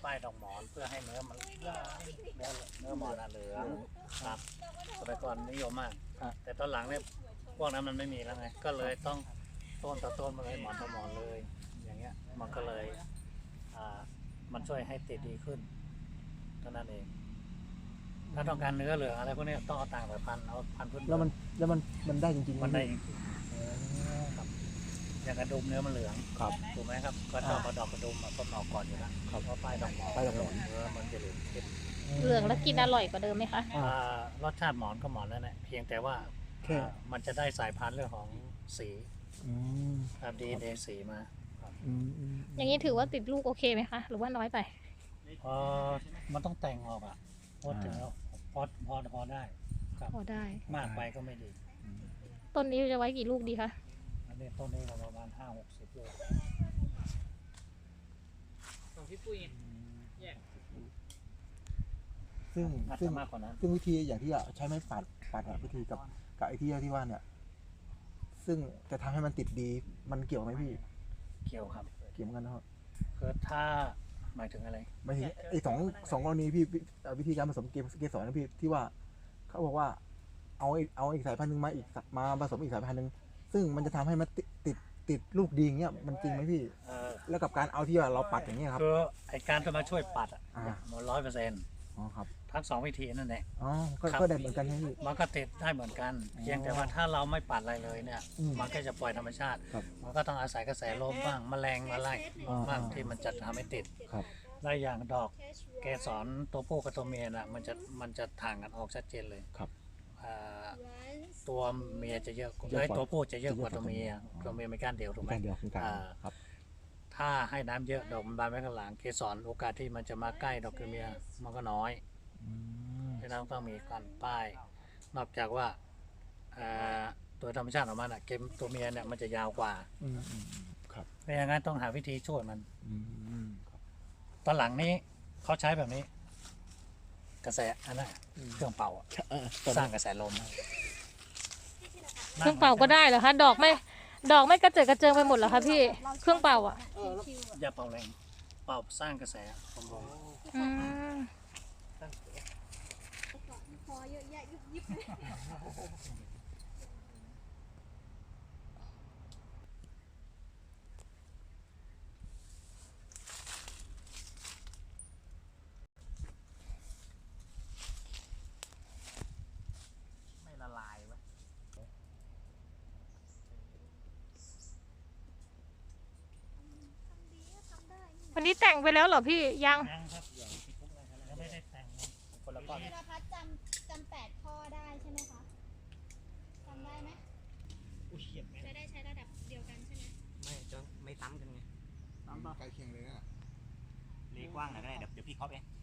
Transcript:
ป้ายดอกหมอนเพื่อให้เนื้อมันเนื้อหมอนเหลืองครับสมัยก่อนนิยมมากแต่ตอนหลังเนี่ยพวกนั้นมันไม่มีแล้วไงก็เลยต้องต้นต่อต้นมาเลยหมอนต่อหมอนเลยอย่างเงี้ยมันก็เลยมันช่วยให้ติดดีขึ้นเท่านั้นเองถ้าต้องการเนื้อเหลืองอะไรพวกนี้ต้องเอาต่างสายพันธุ์เอาพันธุ์พื้นแล้วมันได้จริงๆมันได้จริงๆครับอย่างกระดุมเนื้อมันเหลืองถูกไหมครับก็ต้องเอาดอกกระดุมมาต้นออกก่อนอยู่แล้วเพราะป้ายดอกหมอนเนื้อมันจะเหลืองเข้มเหลืองแล้วกินอร่อยกว่าเดิมไหมคะรสชาติหมอนก็หมอนแล้วนะเพียงแต่ว่ามันจะได้สายพันธุ์เรื่องของสีครับดีเดสีมาอย่างนี้ถือว่าติดลูกโอเคไหมคะหรือว่าน้อยไปมันต้องแต่งออกอ่ะพอถึงแล้วพอได้ครับพอได้มากไปก็ไม่ดีต้นนี้จะไว้กี่ลูกดีคะอันนี้ต้นนี้ประมาณ50-60 ลูกของพี่ปุ้ยซึ่งมากกว่านั้นซึ่งวิธีอย่างที่ใช้ไม้ปัดวิธีกับไอ้ที่ว่าเนี่ยซึ่งจะทำให้มันติดดีมันเกี่ยวไหมพี่เกี่ยวครับเกี่ยวกันนะครับคือถ้าหมายถึงอะไรหมายถึงไอ้สองกรณีพี่วิธีการผสมเกสรนะพี่ที่ว่าเขาบอกว่าเอาอีกสายพันธุ์นึงมาผสมอีกสายพันธุ์นึงซึ่งมันจะทำให้มันติดลูกดีอย่างเงี้ยมันจริงไหมพี่แล้วกับการเอาที่ว่าเราปัดอย่างเงี้ยครับคือไอ้การจะมาช่วยปัดมัน100% อ๋อครับทั้ง2 วิธีนั่นแหละอ๋อก็ได้เหมือนกันใช่ไหมพี่มันก็ติดได้เหมือนกันเพียงแต่ว่าถ้าเราไม่ปัดอะไรเลยเนี่ยมันก็จะปล่อยธรรมชาติมันก็ต้องอาศัยกระแสลมบ้างแมลงมาไล่บ้างที่มันจะทำให้ติดได้อย่างดอกเกสรตัวผู้กับตัวเมียน่ะมันจะถ่างกันออกชัดเจนเลยตัวเมียจะเยอะตัวผู้จะเยอะกว่าตัวเมียไม่ก้านเดียวถูกไหมครับถ้าให้น้ำเยอะดอกมันบานไว้ข้างหลังเกสรโอกาสที่มันจะมาใกล้ดอกตัวเมียมันก็น้อยเพราะนั้นต้องมีการป้ายนอกจากว่าตัวธรรมชาติของมันเกมตัวเมียเนี่ยมันจะยาวกว่าเพราะงั้นต้องหาวิธีช่วยมันตอนหลังนี้เขาใช้แบบนี้กระแสอันนั้นเครื่องเป่าสร้างกระแสลมเครื่องเป่าก็ได้เหรอคะดอกไม่กระเจิดกระเจิงไปหมดเหรอคะพี่เครื่องเป่าอย่าเป่าแรงเป่าสร้างกระแสลมพอเยอะแยะยิบไม่ละลายวะวันนี้แต่งไปแล้วเหรอพี่ยังครับยังไม่ได้แต่งคนละก้อนธีรพัฒน์จำ8 ข้อได้ใช่ไหมคะจำได้ไหมจะได้ใช้ระดับเดียวกันใช่ไหมไม่ซ้ำกันไงใกล้เคียงเลยนะเลกว้างหน่อยก็ได้เดี๋ยวพี่เคาะเอง